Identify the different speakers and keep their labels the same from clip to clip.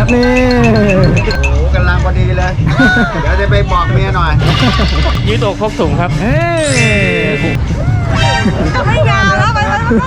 Speaker 1: ครับนี่
Speaker 2: โอ้กำลังพอดีเลย เดี๋ยวจะไปบอกเมียหน่อย
Speaker 1: ยืดอกพกถุงครับ
Speaker 3: ไม่ยาวแล้วไป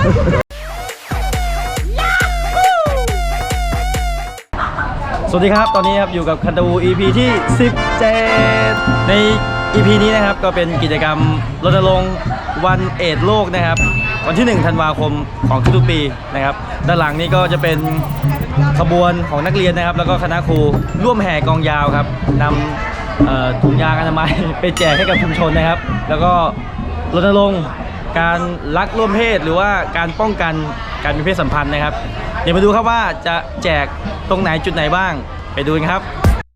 Speaker 1: สวัสดีครับตอนนี้ครับอยู่กับคันตู EP ที่17ใน EP นี้นะครับก็เป็นกิจกรรมรณรงค์วันเอดส์โลกนะครับวันที่1 ธันวาคมของทุกปีนะครับด้านหลังนี้ก็จะเป็นขบวนของนักเรียนนะครับแล้วก็คณะครูร่วมแห่กองยาวครับนำถุงยางอนามัยไปแจกให้กับชุมชนนะครับแล้วก็รณรงค์การรักร่วมเพศหรือว่าการป้องกันการมีเพศสัมพันธ์นะครับเดี๋ยวมาดูครับว่าจะแจกตรงไหนจุดไหนบ้างไปดูกันครับ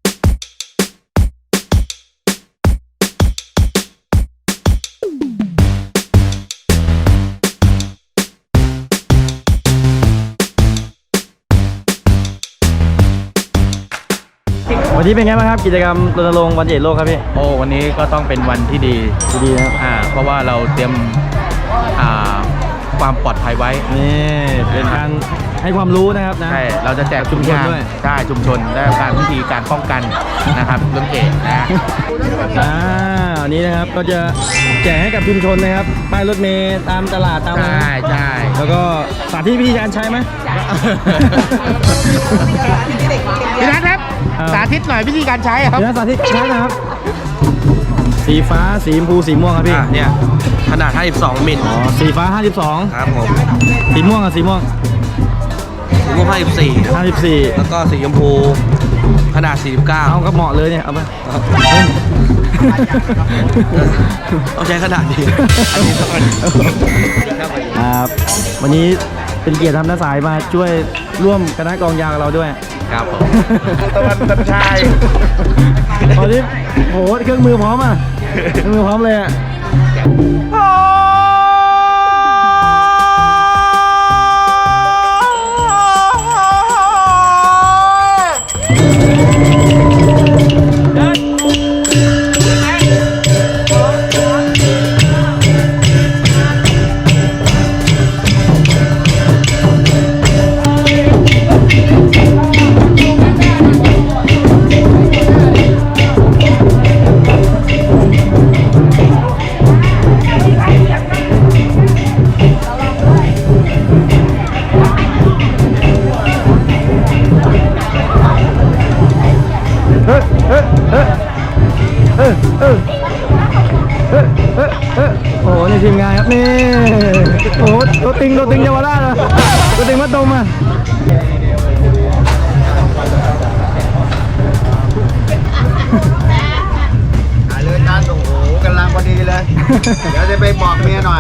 Speaker 1: วันนี้เป็นไงบ้างครับกิจกรรมรณรงค์วันเอดส์โลกครับพี่
Speaker 4: โอ้วันนี้ก็ต้องเป็นวันที่ดี
Speaker 1: นะครับ
Speaker 4: เพราะว่าเราเตรียมความปลอดภัยไว้
Speaker 1: นี่เป็นการให้ความรู้นะครับนะ
Speaker 4: ใช่เราจะแจก
Speaker 1: ชุมชนด้วย
Speaker 4: ใช่ชุมชนได้การวิธีการป้องกันนะครับเรื่องเอดส์นะ
Speaker 1: อันนี้นะครับก็จะแจกให้กับชุมชนนะครับป้ายรถเมล์ตามตลาดตาม
Speaker 4: ใช่
Speaker 1: แล้วก็สาธิตวิธีการใช้ไหม
Speaker 4: พี่นัทครับสาธิตหน่อยวิธีการใช้ครับ
Speaker 1: พี่นัทสาธิตใช้นะครับสีฟ้าสีชมพูสีม่วงครับพี่
Speaker 4: เนี่ยขนาด52 มิล
Speaker 1: สีฟ้า52
Speaker 4: ครับผม
Speaker 1: สีม่วงสีม่วง54
Speaker 4: แล้วก็สีชมพูขนาด49
Speaker 1: เอาก็เหมาะเลยเนี่ยเอาไป
Speaker 4: ต้องใช้ขนาดนี้
Speaker 1: ครับวันนี้เป็นเกียรติทำน้าสายมาช่วยร่วมคณะกองยาวกับเราด้วย
Speaker 4: ครับผมตะวันตันชาย
Speaker 1: ตอนนี้โหเครื่องมือพร้อมอ่ะเครื่องมือพร้อมเลยอ่ะโอ้โหนี่ทีมงานครับนี่โอ้โหตัวติงเยาวราชเลยตัวติงมัดตรงมา
Speaker 2: ถ่ายเลยจานโอ้โหกำลังพอดีเลย เดี๋ยวจะไปบอกเมียหน่อย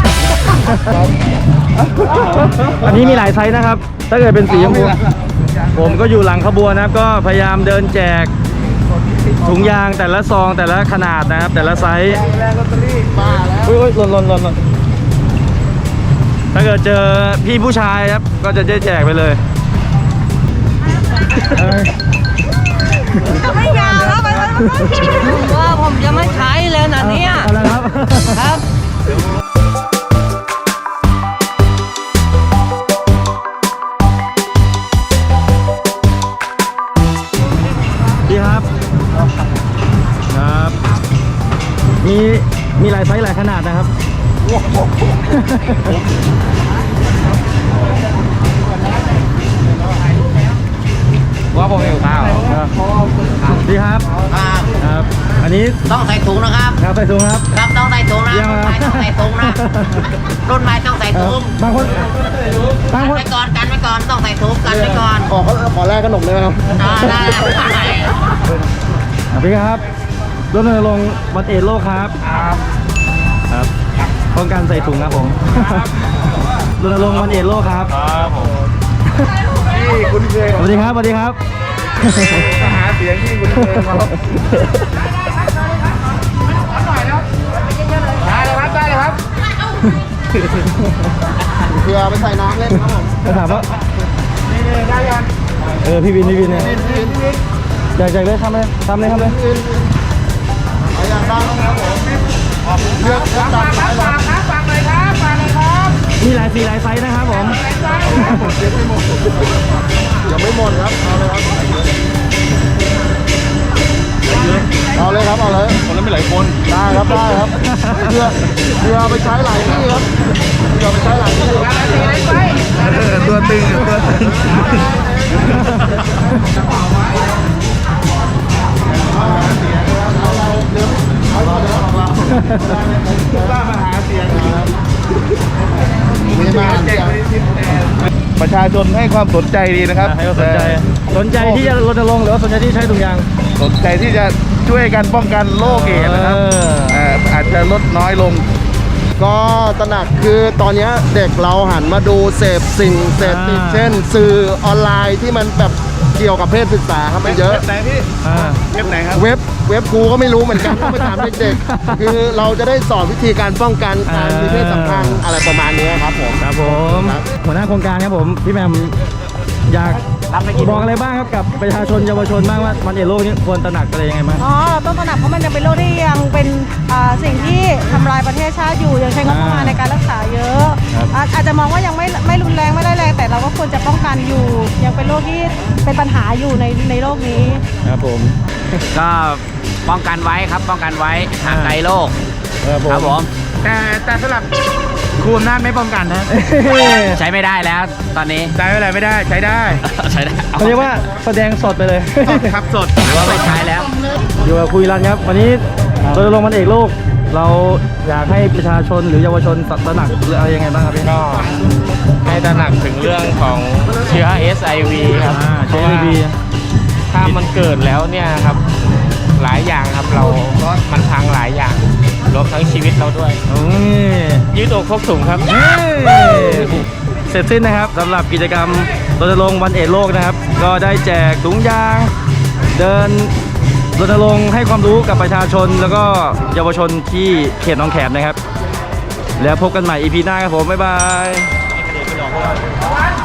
Speaker 1: อันนี้มีหลายไซส์นะครับถ้าเกิดเป็นสีชมพูผมก็อยู่หลังขบวนนะครับก็พยายามเดินแจกถุงยางแต่ละซองแต่ละขนาดนะครับแต่ละไซส์อุ้ยหล่นถ้าเกิดเจอพี่ผู้ชายครับก็จะแจกไปเลย
Speaker 3: ไม่ยาวแล้วไปว่าผมจะไม่ใช้แล้วนะเนี่ย
Speaker 1: อะไรครับ
Speaker 3: ครับ
Speaker 1: พี่ครับมีหลายไซส์หลายขนาดนะครับ
Speaker 4: ว่าผมหิวข้าว
Speaker 1: ดีครับครับอันนี้
Speaker 5: ต้องใส่ถุงนะครับ
Speaker 1: ครับใส่ถุงครับ
Speaker 5: ครับต้องใส่ถุงนะรุ่นใหม่ต้องใส่ถุงนะรุ่นใหม่ต้องใส่ถุง
Speaker 1: บางคน
Speaker 5: กันไว้ก่อนต้องใส่ถุงกันไว้ก่อน
Speaker 2: ขอแลกขนมเลยครับ
Speaker 5: ได้
Speaker 1: พี่ครับรณรงค์วันเอดส์โลกครับครับป้องกันใส่ถุงครับผมรณรงค์วันเอดส์โลกครับ
Speaker 2: นี่คุณเคย
Speaker 1: สวัสดีครับ
Speaker 2: มาหาเสียงที่คุณเคยมาครับได้เลยครับเพื่อไปใส่น้ำเล่นครับผม
Speaker 1: ถามว่า
Speaker 2: นี่ได้ยัง
Speaker 1: พี่วินเนี่ยอยากเลยทำเลยเอาอย่างดังครับผมเลือกจัดไปฟังเลยครับมีหลายสีหลายไซส์นะครับผม
Speaker 2: ยังไม่หมดครับเอาเลยครับ
Speaker 4: ไปหลายคน
Speaker 2: ได้ครับได้ครับเรือเอาไปใช้หลายที่ครับเรือเอาไปใช้หลายที่ตัวตึงตัวตึงประชาชนให้ความสนใจดีนะครับ
Speaker 1: ให้เขาสนใจที่จะรณรงค์หรือว่าสนใจที่ใช้ถุงยาง
Speaker 2: สนใจที่จะช่วยกันป้องกันโรคเอดส์นะครับอาจจะลดน้อยลง ก็ตระหนักคือตอนนี้เด็กเราหันมาดูเสพสิ่งเสพติดเช่น สื่อออนไลน์ที่มันแบบเกี่ยวกับเพศศึกษาครับมันเยอะ
Speaker 4: ไหนพี่เว็บไหนครับ
Speaker 2: เว็บครูก็ไม่รู้เหมือนกันต้องไปถามเด็กๆคือเราจะได้สอนวิธีการป้องกันการมีเพศสัมพันธ์อะไรประมาณนี้ครับผม
Speaker 1: ครับผม
Speaker 2: ครับ
Speaker 1: หัวหน้าโครงการครับผมพี่แหม่มอยากบอกอะไรบ้างครับกับประชาชนเยาวชนบ้างว่าวันเอดส์โลกนี้ควรตระหนักอะไรยังไงบ้าง
Speaker 3: อ๋อเราต้องตระหนักเพราะมันยังเป็นโรคที่ยังเป็นสิ่งที่ทำลายประเทศชาติอยู่ยังใช้งบประมาณในการรักษาเยอะ
Speaker 1: ครับ
Speaker 3: อาจจะมองว่ายังไม่รุนแรงไม่ได้แรงแต่เราก็ควรจะป้องกันอยู่ ยังเป็นโรคที่เป็นปัญหาอยู่ในโลกนี้
Speaker 1: ครับผม
Speaker 5: ก็ป้องกันไว้ครับป้องกันไว้ห่างไกลโรค
Speaker 1: ครับผม
Speaker 4: แต่สำหรับครูอำนาจไม่ป้องกันนะ
Speaker 5: ใช้ไม่ได้แล้วตอนนี้
Speaker 4: ใช้อะไรไม่ได้ใช้ได้
Speaker 5: ใช้ได้
Speaker 1: เขาเรียกว่าแสดงสดไปเลย
Speaker 4: ครับสด
Speaker 5: หรือว่าไม่ใช้แล้ว
Speaker 1: อยู่กับคุยรันครับ วันนี้รณรงค์วันเอกโลก เราอยากให้ประชาชนหรือเยาวชนตระหนักหรืออะไรยังไงบ้างครับพี่
Speaker 4: ก็ให้ตระหนักถึงเรื่องของเชื้อ SIV ครับ
Speaker 1: ใช้ดี
Speaker 4: ถ้ามันเกิดแล้วเนี่ยครับหลายอย่างครับมันพังหลายอย่างรวมทั้งชีวิตเราด้วย
Speaker 1: โอ้ย
Speaker 4: ยืดอกพกถุงครับ
Speaker 1: เสร็จสิ้นนะครับสำหรับกิจกรรมรณรงค์วันเอดส์โลกนะครับ ก็ได้แจกถุงยาง เดินรณรงค์ให้ความรู้กับประชาชนแล้วก็เยาวชนที่เขตหนองแขมนะครับ แล้วพบกันใหม่ EP หน้าครับผม บ๊ายบาย